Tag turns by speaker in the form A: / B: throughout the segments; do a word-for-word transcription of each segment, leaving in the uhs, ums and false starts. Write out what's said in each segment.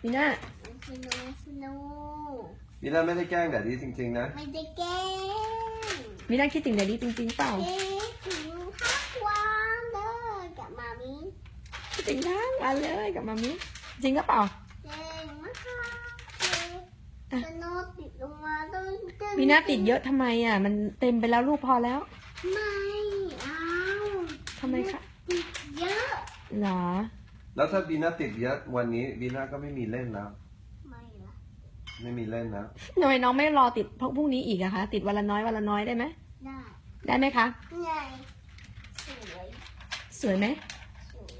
A: วีน่า
B: สนุกสนุก
C: วีน่าไม่ได้แกล้งแดดดี้จริงๆนะ
B: ไม่ได้แกล้ง
A: วีน่าคิดถึงแดดดี้จริงๆเปล่า
B: คิดถึงทักวันเลยกับมามิ
A: คิดถึงทั้งวันเลยกับมามิจริงก็เปล่า
B: เก่งมากค่ะสนุกติดลงมาต้องตึ้ง
A: วีน่าติดเยอะทำไมอ่ะมันเต็มไปแล้วลูกพอแล้ว
B: ไม่เอา
A: ทำไมคะ
B: ติดเยอะ
A: หรอ
C: แล้วถ้าวีน่าติดเยอะวันนี้วีน่าก็ไม่มีเล่นแล้ว
B: ไม่ละ
C: ไม่มีเล่นแล้ว
A: ทำไมน้องไม่รอติดพรุ่งนี้อีกอะคะติดวันละน้อยวันละน้อยได้ไหม
B: ได้
A: ได้ไหมคะ
B: ไงสวย
A: สวยไหม
B: สวย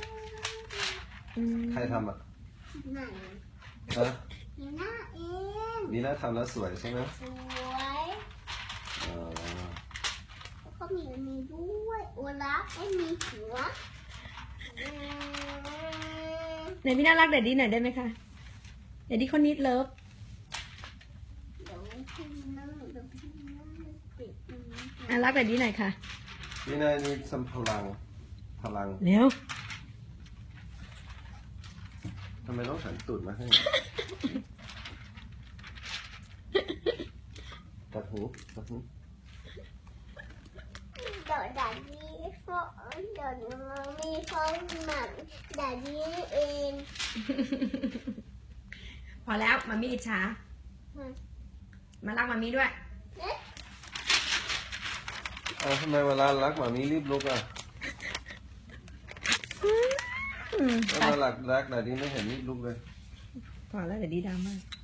C: ใครทำอ่ะ
B: ไหน
C: ฮะ
B: วีน่าเอง
C: วีน่าทำแล้วสวยใช่ไหม
B: สวย
C: อ๋อ
B: แล้วก็มีอันนี้ด้วยโอลาฟไอ้มีหัว
A: ไหนพี่น่ารักแดดดี้หน่อยได้ไหมคะแดดดี้คนนิดเลิฟ
B: เดี๋ยวพี่นั่งเดี๋ยวพี่นั่งติด
A: อ่ะรักแดดดี้หน่อยค่ะ
C: วีน่านี่สัมพลังพลัง
A: เร็ว
C: ทำไมต้องหันตูดมาให้ตัดหูตัดหู
B: เดี๋ยวดาดี้ฟอเดี๋ยวมามีฟอหมักดาดี้เอง
A: พอแล้วมามีอิจฉามารักมามีด้วย
C: เอาทำไมเวลารักหมามีรีบลุกอ่ะเวลารักรักแต่ดีไม่เห็นรีบลุกเลย
A: พอแล้วเดี๋ยวดีดราม่า